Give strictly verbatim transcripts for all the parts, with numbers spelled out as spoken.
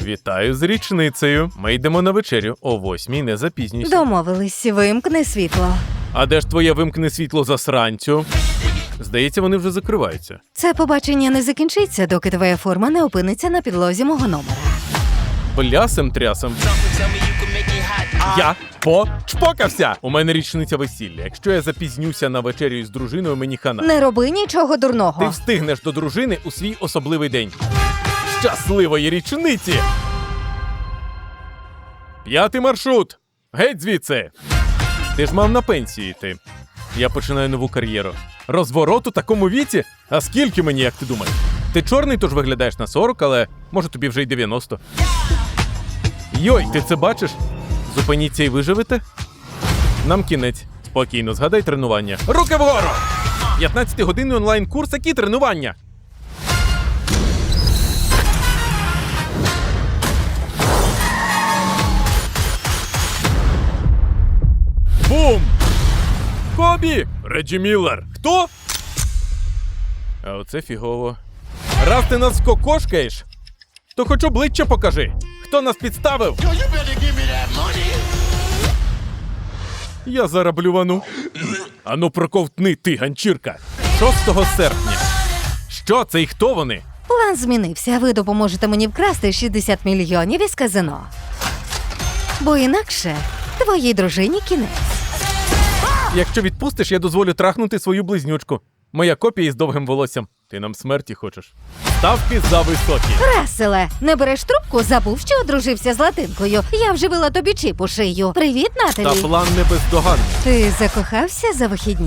Вітаю з річницею. Ми йдемо на вечерю о восьмій, не запізнюйся. Домовились, вимкни світло. А де ж твоє вимкне світло засранцю? Здається, вони вже закриваються. Це побачення не закінчиться, доки твоя форма не опиниться на підлозі мого номера. Блясем-трясем. Я почпокався! У мене річниця весілля. Якщо я запізнюся на вечерю із дружиною, мені хана. Не роби нічого дурного. Ти встигнеш до дружини у свій особливий день. Щасливої річниці! П'ятий маршрут! Геть звідси! Ти ж мав на пенсії йти. Я починаю нову кар'єру. Розворот у такому віці? А скільки мені, як ти думаєш? Ти чорний, тож виглядаєш на сорок, але може тобі вже й дев'яносто. Йой, ти це бачиш? Зупиніться і виживете? Нам кінець. Спокійно, згадай тренування. Руки вгору! п'ятнадцятигодинний онлайн-курс, які тренування? Бум! Кобі! Реджі Міллер! Хто? А оце фігово. Раз ти нас кокошкаєш, то хоч обличчя покажи. Хто нас підставив? Я зараз блювану. Ану проковтни ти, ганчірка. шостого серпня. Що це і хто вони? План змінився. Ви допоможете мені вкрасти шістдесят мільйонів із казино. Бо інакше твоїй дружині кінець. Якщо відпустиш, я дозволю трахнути свою близнючку. Моя копія із довгим волоссям. Ти нам смерті хочеш. Ставки зависокі. Раселе, не береш трубку, забув, що одружився з латинкою. Я вживила тобі чіп у шию. Привіт, Та Наталі. план не бездоганний. Ти закохався за вихідні?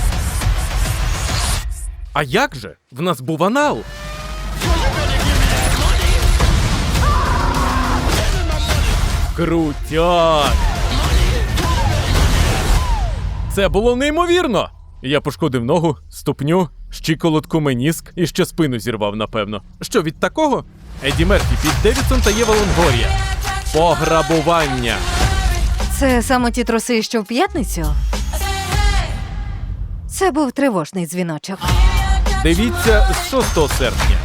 А як же? В нас був анал. Крутяк! Це було неймовірно! Я пошкодив ногу, ступню, щиколотку, меніск і ще спину зірвав, напевно. Що від такого? Еді Мерфі, Піт Девідсон та Єва Лонгорія. Пограбування. Це саме ті труси, що в п'ятницю? Це був тривожний дзвіночок. Дивіться з шостого серпня.